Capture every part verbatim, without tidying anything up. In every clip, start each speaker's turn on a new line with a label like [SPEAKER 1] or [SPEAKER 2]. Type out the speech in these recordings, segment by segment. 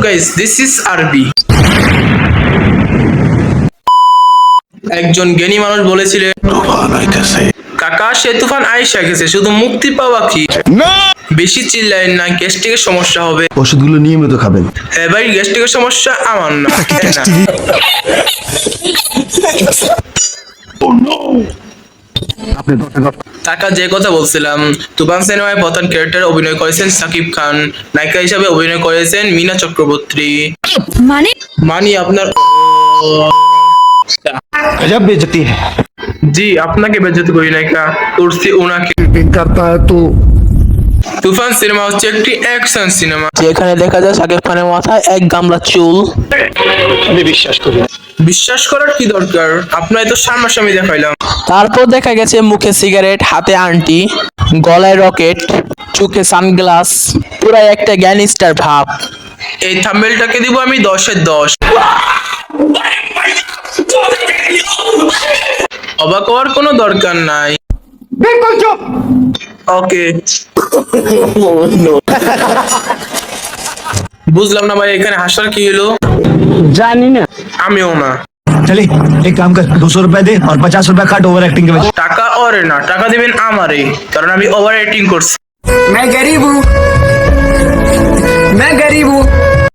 [SPEAKER 1] Guys, this is আরবি। একজন জ্ঞানী মানুষ বলেছিলেন, কাকা সে তুফান আইসা গেছে, শুধু মুক্তি পাওয়া কি? বেশি চিল্লাইন না, গ্যাস্ট্রিকের সমস্যা হবে।
[SPEAKER 2] ওষুধগুলো নিয়মিত খাবেন।
[SPEAKER 1] হ্যাঁ ভাই, গ্যাস্ট্রিকের সমস্যা আমার না। কাকা যে কথা বলছিলাম, তুফান সিনেমায় প্রধান ক্যারেক্টারে অভিনয় করেছেন সাকিব খান, নায়িকা হিসাবে অভিনয় করেছেন মিনা চক্রবর্তী।
[SPEAKER 3] মানে
[SPEAKER 1] মানি আপনার
[SPEAKER 2] गजब बेइज्जती है।
[SPEAKER 1] জি, আপনাকে বেজ্জতি করি নায়িকা, করছি ওনাকে।
[SPEAKER 2] करता है तो
[SPEAKER 1] তুফান সিনেমা হচ্ছে একটি অ্যাকশন সিনেমা, যেখানে দেখা যায় সাকিব খানের মাথায় এক গামলা চুল।
[SPEAKER 2] আমি বিশ্বাস করি না।
[SPEAKER 1] বিশ্বাস করার কি দরকার, আপনার তো সামনাসামনি দেখাইলাম।
[SPEAKER 4] তারপর দেখা গেছে মুখে সিগারেট, হাতে আংটি, গলায় রকেট, চোখে সানগ্লাস, পুরো একটা গ্যাংস্টার ভাব।
[SPEAKER 1] এই থাম্বনেলটাকে দিব আমি দশের দশ। অবাক হওয়ার কোনো দরকার নাই। ওকে, বুঝলাম না ভাই, এখানে হাসার কি হলো?
[SPEAKER 4] জানি না।
[SPEAKER 1] আমিও না।
[SPEAKER 2] चलिए एक काम कर, दो सौ रुपए दे और पचास रुपए काट ओवर एक्टिंग के वजह।
[SPEAKER 1] টাকা ওরে না, টাকা দিবেন আমারে, কারণ আমি ওভার এডিটিং করছি।
[SPEAKER 5] मैं गरीब हूँ मैं गरीब हूँ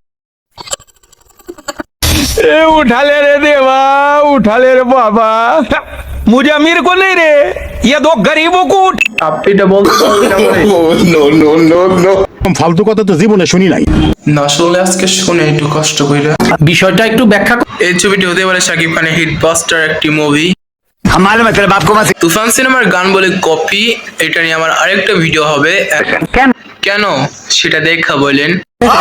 [SPEAKER 6] ए उठा ले रे देवा, उठा ले रे बाबा, मुझे अमीर को नहीं रे, ये दो गरीबों को उठ।
[SPEAKER 1] আপনি এটা বলতে পারবেন আমারে?
[SPEAKER 2] फालतू কথা তো জীবনে শুনি নাই।
[SPEAKER 1] না শুনলে আজকে শুনে একটু কষ্ট কইরা।
[SPEAKER 4] বিষয়টা একটু ব্যাখ্যা কর।
[SPEAKER 1] এই ছবিটি হতে পারে সাকিব খানের হিট বাস্টার একটি মুভি।
[SPEAKER 2] हम मालूम है तेरे बाप को मत।
[SPEAKER 1] তুফান সিনেমার গান বলে কপি, এটা নিয়ে আমার আরেকটা ভিডিও হবে।
[SPEAKER 4] কেন?
[SPEAKER 1] কেন সেটা দেখা বলেন।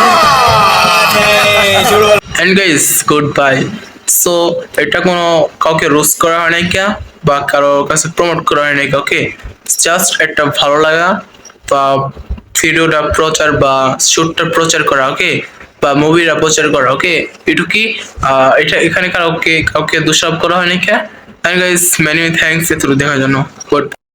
[SPEAKER 1] And guys, good bye. So এটা কোনো কাউকে রোস্ট করা হয় নাই কে, বা কারো কাছে প্রমোট করা হয় নাই, ওকে? জাস্ট একটা ভালো লাগা বা ভিডিওটা প্রচার বা শুটটা প্রচার করা, ওকে, বা মুভিটা প্রচার করা, ওকে, এটুকুই। আহ, এটা এখানে কাউকে কাউকে দোষারোপ করা হয় নাই কে। এন্ড গাইস, মেনি থ্যাঙ্কস এত দেখার জন্য। গুড।